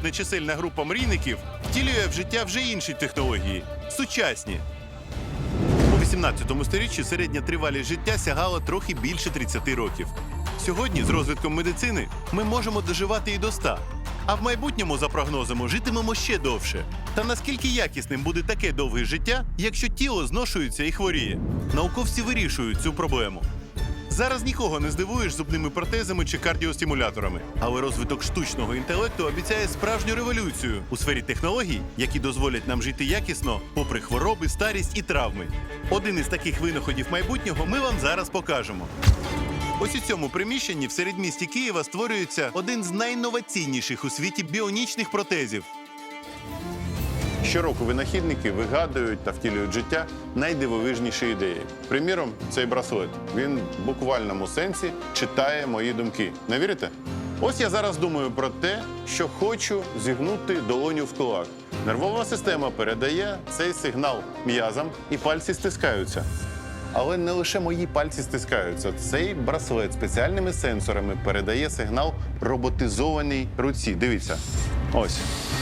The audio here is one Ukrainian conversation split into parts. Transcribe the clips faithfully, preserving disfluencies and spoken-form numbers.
нечисельна група мрійників втілює в життя вже інші технології – сучасні. У вісімнадцятому сторіччі середня тривалість життя сягала трохи більше тридцяти років. Сьогодні з розвитком медицини ми можемо доживати і до ста. А в майбутньому, за прогнозами, житимемо ще довше. Та наскільки якісним буде таке довге життя, якщо тіло зношується і хворіє? Науковці вирішують цю проблему. Зараз нікого не здивуєш зубними протезами чи кардіостимуляторами. Але розвиток штучного інтелекту обіцяє справжню революцію у сфері технологій, які дозволять нам жити якісно, попри хвороби, старість і травми. Один із таких винаходів майбутнього ми вам зараз покажемо. Ось у цьому приміщенні в середмісті Києва створюється один з найінноваційніших у світі біонічних протезів. Щороку винахідники вигадують та втілюють в життя найдивовижніші ідеї. Приміром, цей браслет. Він в буквальному сенсі читає мої думки. Не вірите? Ось я зараз думаю про те, що хочу зігнути долоню в кулак. Нервова система передає цей сигнал м'язам і пальці стискаються. Але не лише мої пальці стискаються. Цей браслет спеціальними сенсорами передає сигнал роботизованій руці. Дивіться. Ось.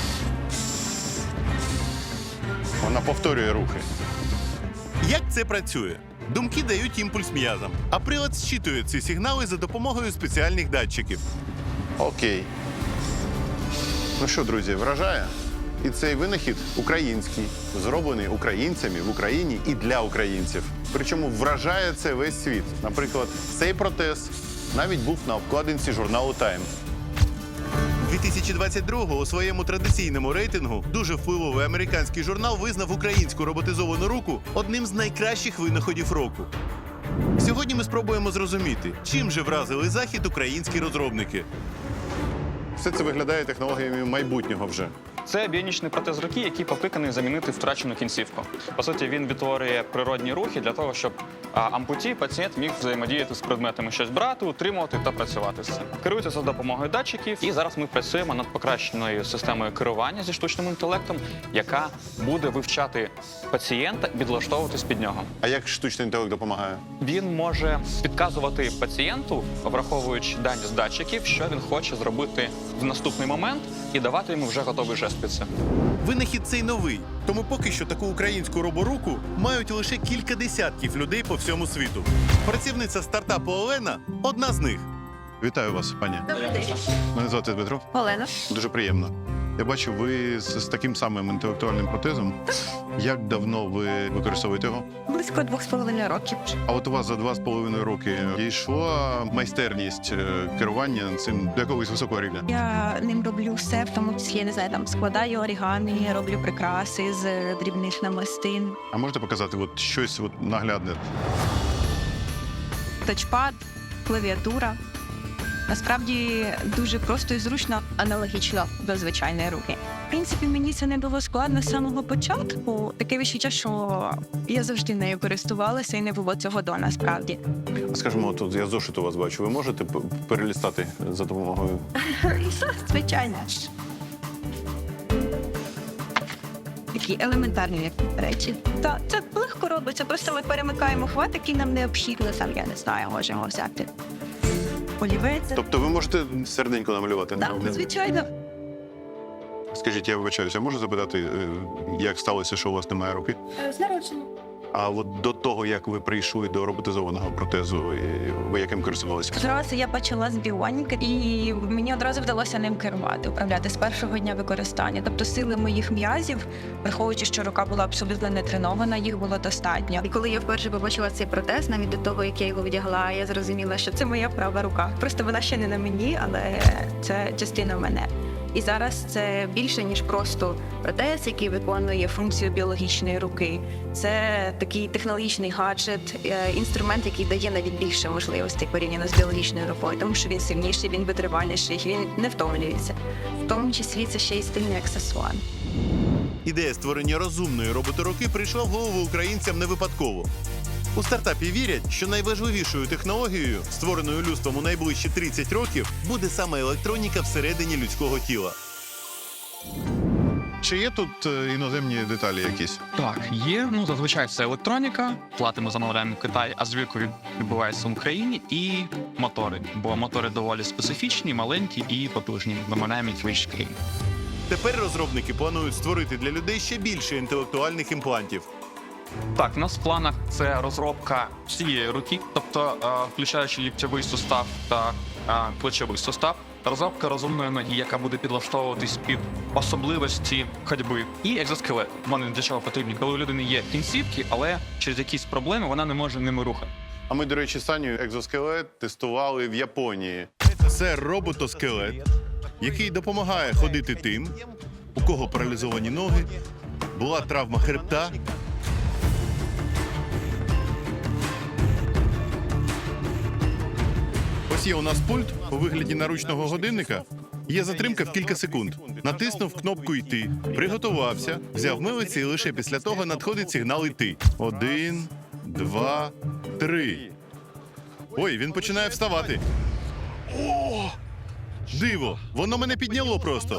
Вона повторює рухи. Як це працює? Думки дають імпульс м'язам, а прилад зчитує ці сигнали за допомогою спеціальних датчиків. Окей. Ну що, друзі, вражає? І цей винахід український, зроблений українцями в Україні і для українців. Причому вражає це весь світ. Наприклад, цей протез навіть був на обкладинці журналу Time. дві тисячі двадцять другого у своєму традиційному рейтингу дуже впливовий американський журнал визнав українську роботизовану руку одним з найкращих винаходів року. Сьогодні ми спробуємо зрозуміти, чим же вразили Захід українські розробники. Все це виглядає технологіями майбутнього вже. Це біонічний протез руки, який покликаний замінити втрачену кінцівку. По суті, він відтворює природні рухи для того, щоб а, ампуті пацієнт міг взаємодіяти з предметами, щось брати, утримувати та працювати з цим. Керується за допомогою датчиків, і зараз ми працюємо над покращеною системою керування зі штучним інтелектом, яка буде вивчати пацієнта і підлаштовуватись під нього. А як штучний інтелект допомагає? Він може підказувати пацієнту, враховуючи дані з датчиків, що він хоче зробити в наступний момент, і давати йому вже готовий жест під це. Винахід цей новий, тому поки що таку українську роборуку мають лише кілька десятків людей по всьому світу. Працівниця стартапу Олена – одна з них. Вітаю вас, пані. Добрий день. Мене звати Дмитро. Олена. Дуже приємно. Я бачу, ви з, з таким самим інтелектуальним протезом. Як давно ви використовуєте його? Близько двох з половиною років. А от у вас за два з половиною роки дійшла майстерність е, керування цим до якогось високого рівня? Я ним роблю все, в тому числі, я не знаю, там складаю орігамі, роблю прикраси з дрібних намистин. А можете показати от щось от наглядне? Тачпад, клавіатура. Насправді дуже просто і зручно, аналогічно до звичайної руки. В принципі, мені це не було складно з самого початку. Таке відчуття, що я завжди нею користувалася і не було цього до насправді. А скажімо, тут я зошит у вас бачу. Ви можете п- перелістати за допомогою? Звичайно. Такі елементарні як речі. Та це легко робиться. Просто ми перемикаємо хват, який нам необхідно. Сам я не знаю, можемо взяти. Олівець. Тобто ви можете серденько намалювати? Так, звичайно. Скажіть, я вибачаюся, можу запитати, е, як сталося, що у вас немає руки? З народження. А от до того, як ви прийшли до роботизованого протезу, е, ви яким користувалися? Зразу я почала з біоніки, і мені одразу вдалося ним керувати, управляти з першого дня використання. Тобто сили моїх м'язів, враховуючи, що рука була абсолютно не тренована, їх було достатньо. І коли я вперше побачила цей протез, навіть до того, як я його вдягла, я зрозуміла, що це моя права рука. Просто вона ще не на мені, але це частина мене. І зараз це більше, ніж просто протез, який виконує функцію біологічної руки. Це такий технологічний гаджет, е, інструмент, який дає навіть більше можливостей порівняно з біологічною рукою, тому що він сильніший, він витривальніший, він не втомлюється. В тому числі це ще й стильний аксесуар. Ідея створення розумної роботоруки прийшла в голову українцям не випадково. У стартапі вірять, що найважливішою технологією, створеною людством у найближчі тридцять років, буде саме електроніка всередині людського тіла. Чи є тут е, іноземні деталі якісь? Так, є. Ну, зазвичай це електроніка. Платимо, замовляємо в Китаї, а звірку відбувається в Україні. І мотори. Бо мотори доволі специфічні, маленькі і потужні. Замовляємо їх в Києві. Тепер розробники планують створити для людей ще більше інтелектуальних імплантів. Так, у нас в планах це розробка всієї руки, тобто е, включаючи ліктьовий сустав та е, плечовий сустав, розробка розумної ноги, яка буде підлаштовуватись під особливості ходьби, і екзоскелет. Вони для чого потрібні, коли у людини є кінцівки, але через якісь проблеми вона не може ними рухати. А ми, до речі, Саню екзоскелет тестували в Японії. Це роботоскелет, який допомагає ходити тим, у кого паралізовані ноги, була травма хребта. Ось є у нас пульт у вигляді наручного годинника. Є затримка в кілька секунд. Натиснув кнопку «Йти», приготувався, взяв милиці і лише після того надходить сигнал «Йти». Один, два, три. Ой, він починає вставати. О! Диво! Воно мене підняло просто.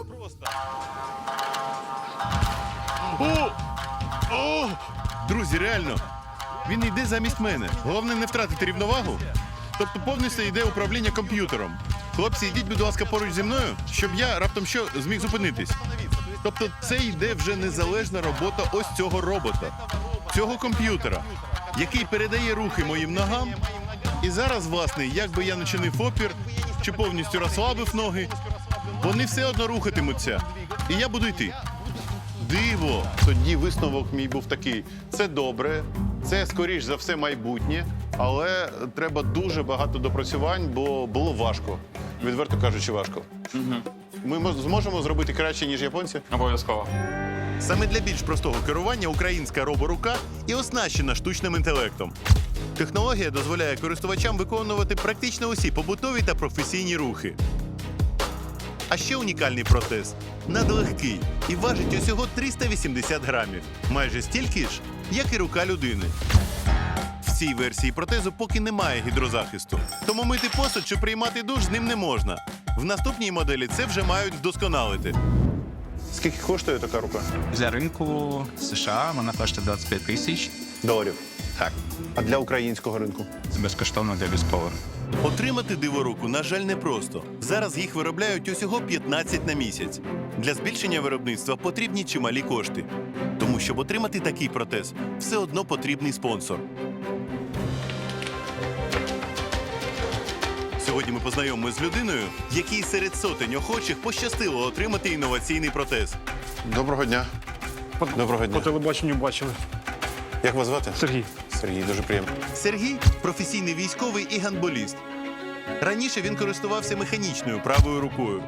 О! О! Друзі, реально, він йде замість мене. Головне не втратити рівновагу. Тобто повністю йде управління комп'ютером. Хлопці, йдіть, будь ласка, поруч зі мною, щоб я раптом що зміг зупинитись. Тобто це йде вже незалежна робота ось цього робота, цього комп'ютера, який передає рухи моїм ногам. І зараз, власне, як би я не чинив опір, чи повністю розслабив ноги, вони все одно рухатимуться. І я буду йти. Диво! Тоді висновок мій був такий. Це добре, це, скоріш за все, майбутнє, але треба дуже багато допрацювань, бо було важко. Відверто кажучи, важко. Угу. Ми мо- зможемо зробити краще, ніж японці? Обов'язково. Саме для більш простого керування українська роборука і оснащена штучним інтелектом. Технологія дозволяє користувачам виконувати практично усі побутові та професійні рухи. А ще унікальний протез надлегкий і важить усього триста вісімдесят грамів. Майже стільки ж, як і рука людини. В цій версії протезу поки немає гідрозахисту, тому мити посуд чи приймати душ з ним не можна. В наступній моделі це вже мають вдосконалити. Скільки коштує така рука? Для ринку США вона коштує двадцять п'ять тисяч. Доларів. Так. А для українського ринку? Це безкоштовно для військових. Отримати диворуку, на жаль, непросто. Зараз їх виробляють усього п'ятнадцять на місяць. Для збільшення виробництва потрібні чималі кошти. Тому, щоб отримати такий протез, все одно потрібний спонсор. Сьогодні ми познайомимося з людиною, якій серед сотень охочих пощастило отримати інноваційний протез. Доброго дня. Доброго По телебаченню бачили. Як вас звати? Сергій. Сергій, дуже приємно. Сергій – професійний військовий і гандболіст. Раніше він користувався механічною правою рукою.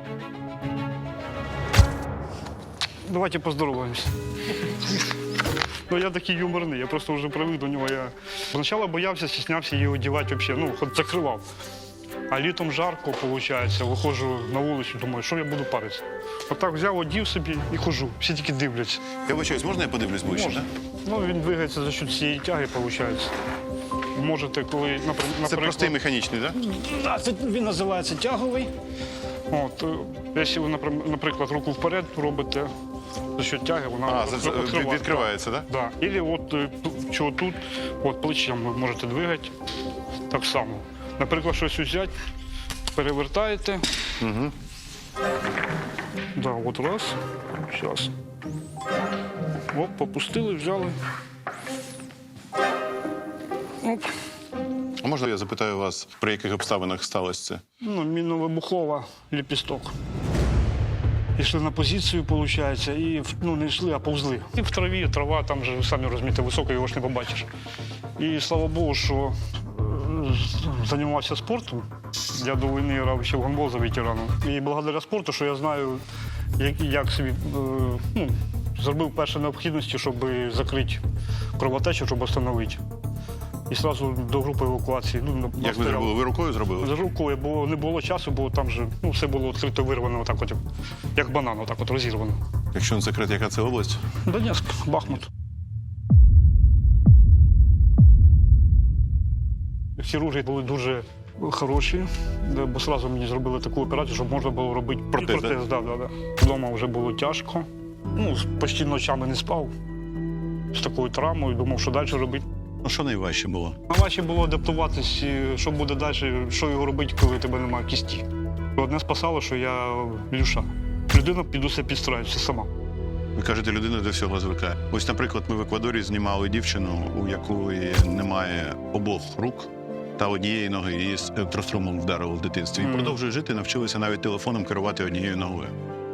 Давайте поздороваємося. Ну, я такий юморний, я просто вже привик до нього. Я спочатку боявся, стіснявся її одягати взагалі, ну, хоч закривав. А літом жарко, виходить, виходжу на вулицю, думаю, що я буду паритися. Отак взяв, одів собі і ходжу, всі тільки дивляться. Я вибачаюсь, можна я подивлюсь ближче? Можна. Ну, він двигається за счет цієї тяги, виходить. Можете, коли, напри- наприклад... Це простий механічний, так? Да, це він називається тяговий. От, е, якщо ви, напри- наприклад, руку вперед робите, за що тяги, вона А, за- відкриває- від- відкривається, так? Да. Ілі от е, ту- чого тут, от плечем ви можете двигати так само. Наприклад, щось взяти, перевертаєте. Угу. Да, от раз. Зараз. Оп, попустили, взяли. Оп. А можна я запитаю вас, при яких обставинах сталося це? Ну, мінно-вибухова ліпісток. Йшли на позицію, виходить, і ну, не йшли, а повзли. І в траві, трава, там же, самі розумієте, висока, його ж не побачиш. І слава Богу, що е, займався спортом. Я до війни грав ще в гандбол за ветераном. І благодаря спорту, що я знаю, як, як собі е, ну, зробив перші необхідності, щоб закрити кровотечу, щоб встановити. І одразу до групи евакуації. Ну, Як ви настояв. зробили? Ви рукою зробили? За рукою, бо не було часу, бо там же ну, все було відкрито вирвано, отак от, як- як банан, отак от розірвано. Якщо не секрет, яка це область? Донецьк, Бахмут. Хірурги були дуже хороші, де- бо одразу мені зробили таку операцію, щоб можна було робити Протез, і протез. Да, да, да. Вдома вже було тяжко. Ну, почти ночами не спав з такою травмою, думав, що далі робити. Ну, що найважче було? Найважче було адаптуватись, і що буде далі, що його робити, коли тебе немає кісті. Одне спасало, що я лівша. людина під усе підстраюється сама. Ви кажете, людина до всього звикає. Ось, наприклад, ми в Еквадорі знімали дівчину, у якої немає обох рук та однієї ноги, її з електрострумом вдарило в дитинстві. І Мгм. продовжує жити, навчилися навіть телефоном керувати однією ногою.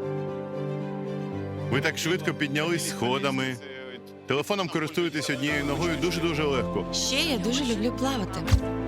Ви так швидко піднялись сходами. Телефоном користуєтесь однією ногою дуже-дуже легко. Ще я дуже люблю плавати.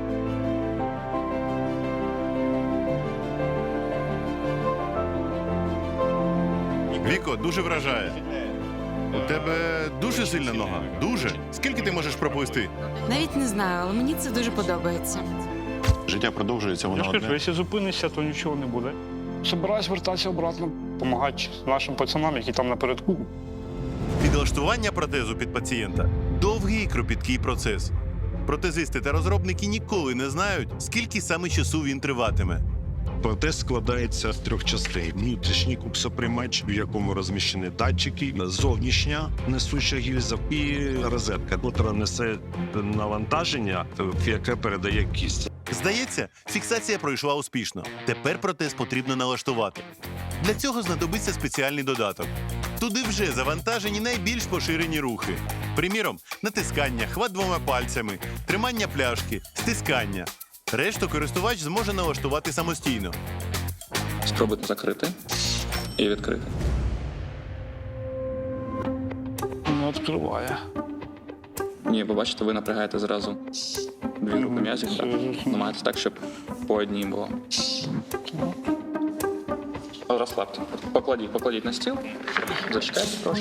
Віко, дуже вражає. У тебе дуже сильна нога. Дуже. Скільки ти можеш проплисти? Навіть не знаю, але мені це дуже подобається. Життя продовжується, Я воно ж кажу, одне. якщо зупинишся, то нічого не буде. Собираюсь вертатися обратно, допомагати нашим пацанам, які там напередку. Підлаштування протезу під пацієнта довгий і кропіткий процес. Протезисти та розробники ніколи не знають, скільки саме часу він триватиме. Протез складається з трьох частин: внутрішній куксоприймач, в якому розміщені датчики, зовнішня несуча гільза і розетка, яка несе навантаження, в яке передає кість. Здається, фіксація пройшла успішно. Тепер протез потрібно налаштувати. Для цього знадобиться спеціальний додаток. Туди вже завантажені найбільш поширені рухи. Приміром, натискання, хват двома пальцями, тримання пляшки, стискання. Решту користувач зможе налаштувати самостійно. Спробуйте закрити і відкрити. Не відкриває. Ні, ви бачите, ви напрягаєте зразу дві групи м'язів. Так? Намагайтесь так, щоб по одній було. Розслабте. Покладіть, покладіть на стіл. Зачекайте трошки.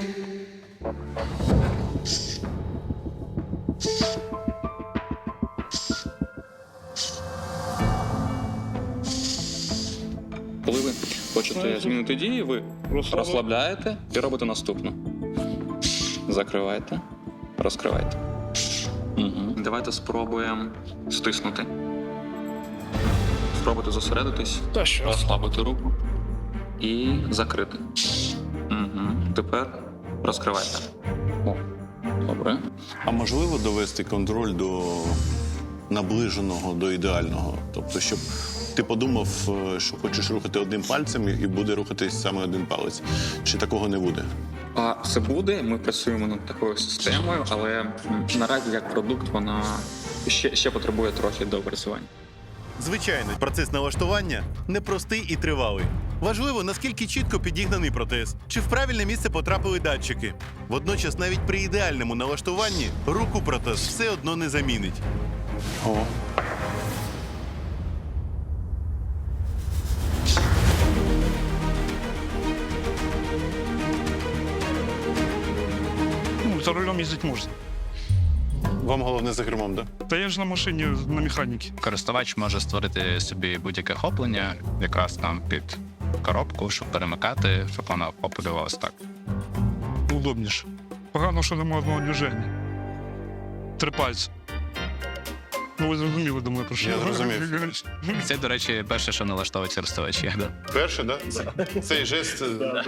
Коли ви хочете змінити дії, ви розслабляєте і робите наступну. Закривайте, розкривайте. Угу. Давайте спробуємо стиснути. Спробуйте зосередитись, Та що? розслабити руку і закрити. Угу. Тепер розкривайте. О, добре. А можливо довести контроль до наближеного, до ідеального? Тобто, щоб ти подумав, що хочеш рухати одним пальцем і буде рухатись саме один палець. Чи такого не буде? А це буде, ми працюємо над такою системою, але м, наразі як продукт вона ще, ще потребує трохи доопрацювання. Звичайно, процес налаштування непростий і тривалий. Важливо, наскільки чітко підігнаний протез, чи в правильне місце потрапили датчики. Водночас, навіть при ідеальному налаштуванні руку протез все одно не замінить. О. Ну, за рулем їздити можна. Вам головне за кермом, так? Та я ж на машині на механіки. Користувач може створити собі будь-яке хоплення, якраз там під коробку, щоб перемикати, щоб вона охоплювалась так. Удобніше. Погано, що немає одного движення. Три пальці. Ну, ви зрозуміли, думаю, про що. Я зрозумів. І це, до речі, перше, що налаштовують користувачі. Да. Перше, так? Цей жест.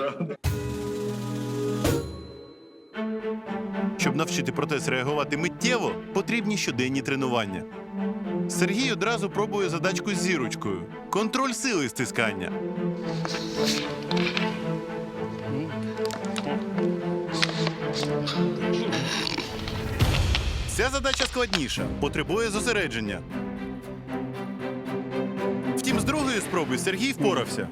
Щоб навчити протез реагувати миттєво, потрібні щоденні тренування. Сергій одразу пробує задачку з зірочкою. Контроль сили стискання. Ця задача складніша, потребує зосередження. Втім, з другої спроби Сергій впорався.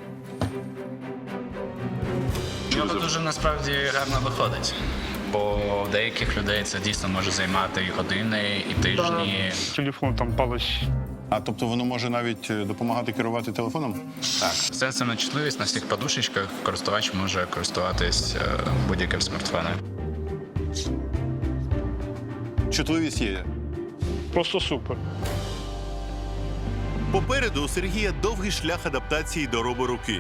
Воно дуже насправді гарно виходить. Бо у деяких людей це дійсно може займати і години, і тижні. Телефон там палець. А тобто воно може навіть допомагати керувати телефоном? Так, все це на чутливість на всіх подушечках. Користувач може користуватись е, будь-яким смартфоном. Чутливість є. Просто супер. Попереду у Сергія довгий шлях адаптації до роборуки.